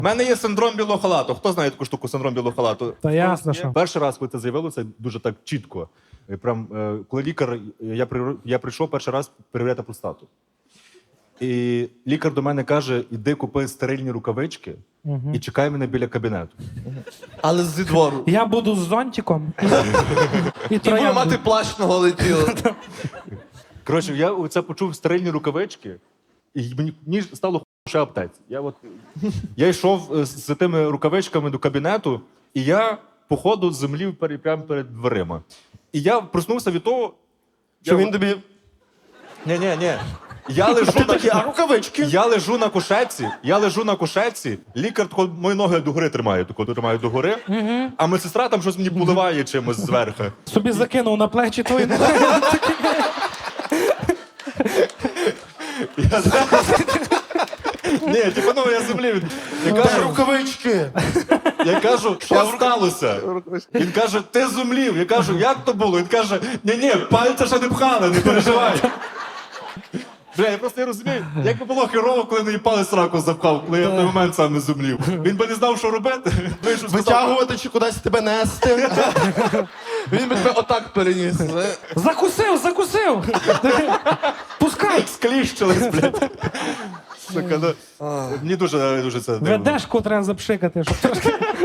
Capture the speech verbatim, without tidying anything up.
У мене є синдром білого халату. Хто знає таку штуку, синдром білого халату? Та ясно, що. Перший раз, коли це з'явилося, дуже так чітко. І прям, е, коли лікар, я, при, я прийшов перший раз перевіряти простату. І лікар до мене каже, іди купи стерильні рукавички і чекай мене біля кабінету. Але зі двору. Я буду з зонтиком і, і І буду троянду. мати плащ на голе тіло. Коротше, я це почув стерильні рукавички, і мені, мені стало хуй ще аптеці. Я, от, я йшов з, з тими рукавичками до кабінету, і я, по ходу, землів перед, прямо перед дверима. І я проснувся від того, Що я... він тобі... Ні-ні-ні. Я лежу на такі, а рукавички? Я лежу на кушетці, я лежу на кушетці, лікар тако, мої ноги догори тримає, тако тримає догори, а медсестра там щось мені поливає чимось зверху. Собі закинув на плечі твої. Я... Ні, типу, ну я землі. від- Я кажу, Рукавички. я кажу, що сталося? Він каже, ти зумлів. Я кажу, як то було? Він каже, ні-ні, пальця ще не пхали, не переживай. Бля, я просто не розумію, як би було херово, коли мені палець раку запхав, коли я в той момент сам не зумлів. Він би не знав, що робити. Вийшов, сказав, Витягувати чи кудись тебе нести. Він би тебе отак переніс. Закусив, закусив! Пускай! скліщились, блядь. Сука, ну, мені дуже, дуже це дивно. Ведешку треба запшикати, щоб трошки.